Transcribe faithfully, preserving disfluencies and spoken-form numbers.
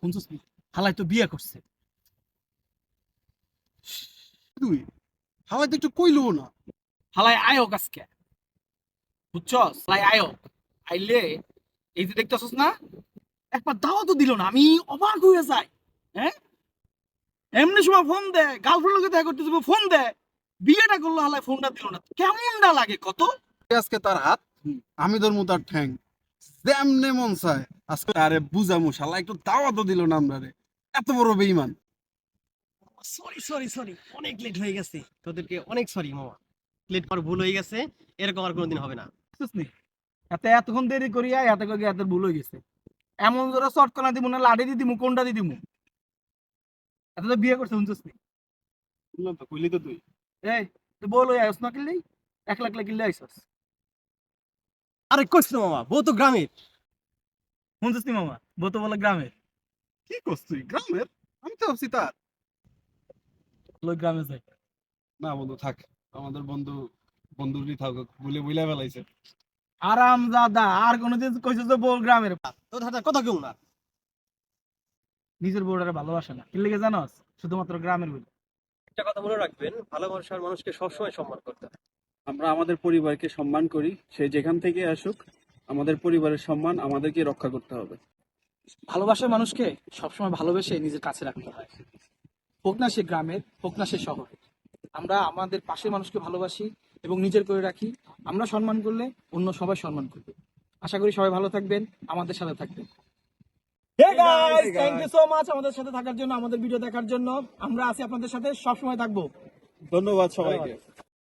শুনছিস নি? হালাই তো বিয়ে করছে। তুই হালাই তো একটু কইলো না। হালাই আয়োগ আজকে, বুঝছস? হালাই আয়োগ আইলে এই যে দেখতেছস না, একবার দাওয়া তো দিল না, আমি অবাক হয়ে যাই। হ্যাঁ, এমনি সময় ফোন দেয়, গার্লফ্রেন্ড লোকে দেখা করতে যাবো ফোন দেয়, বিয়েটা করলো হালাই ফোনটা দিল না, কেমনটা লাগে কত? আজকে তার হাত, আমি ধরমু তার ঠ্যাং, যেমনে মন চায় আজকে আরে বুঝামু। শালা একটু দাওয়াতও দিল না আমরা রে, এত বড় বেঈমান। সরি সরি সরি অনেক লেট হয়ে গেছে, তোদেরকে অনেক সরি মামা। লেট করার ভুল হয়ে গেছে, এরকম আর কোনোদিন হবে না। বুঝছিস নি? এত এতক্ষণ দেরি করিয়া এত করে এত ভুল হয়ে গেছে। এমন জোরে শর্ট করা দিমু না লাড়ি দিয়ে দিমু, কোনটা দিয়ে দিমু? এত তো বিয়ে করছে শুনছিস নি? শুনলাম তো, কইলি তো তুই। এই তুই বল ওই আইস না কিনলেই, এক লাখ লাখ কিনলে আইসস। আরে কইস না মামা, বউ তো গ্রামের। শুনছিস নি মামা, বউ তো বলে গ্রামের। কি করছিস তুই গ্রামের? আমি তো ভাবছি তার। লোক গ্রামে যায়। না বন্ধু থাক, আমাদের বন্ধু বন্ধুরই থাক, বলে বইলা ফেলাইছে। আরাম দাদা, আর কোনোদিন কইছিস যে বউ গ্রামের? তোর হাতে কথা কেউ না। নিজের বউটারে ভালোবাসে না, কি লেগে জানোস? শুধুমাত্র গ্রামের বলে। একটা কথা মনে রাখবেন, ভালোবাসার মানুষকে সবসময় সম্মান করতে হবে। আমরা আমাদের পরিবারকে সম্মান করি, সে যেখান থেকে আসুক। আমাদের পরিবারের সম্মান আমাদেরকে রক্ষা করতে হবে। ভালোবাসার মানুষকে সবসময় ভালোবেসে নিজের কাছে রাখতে হয়, হোক না সে গ্রামের, হোক না সে শহরে। আমরা আমাদের পাশের মানুষকে ভালোবাসি এবং নিজের করে রাখি। আমরা সম্মান করলে অন্য সবাই সম্মান করবে। আশা করি সবাই ভালো থাকবেন, আমাদের সাথে থাকবেন। Hey guys, thank you so much আমাদের সাথে থাকার জন্য, আমাদের ভিডিও দেখার জন্য। আমরা আছি আপনাদের সাথে, সবসময় থাকবো। ধন্যবাদ সবাইকে।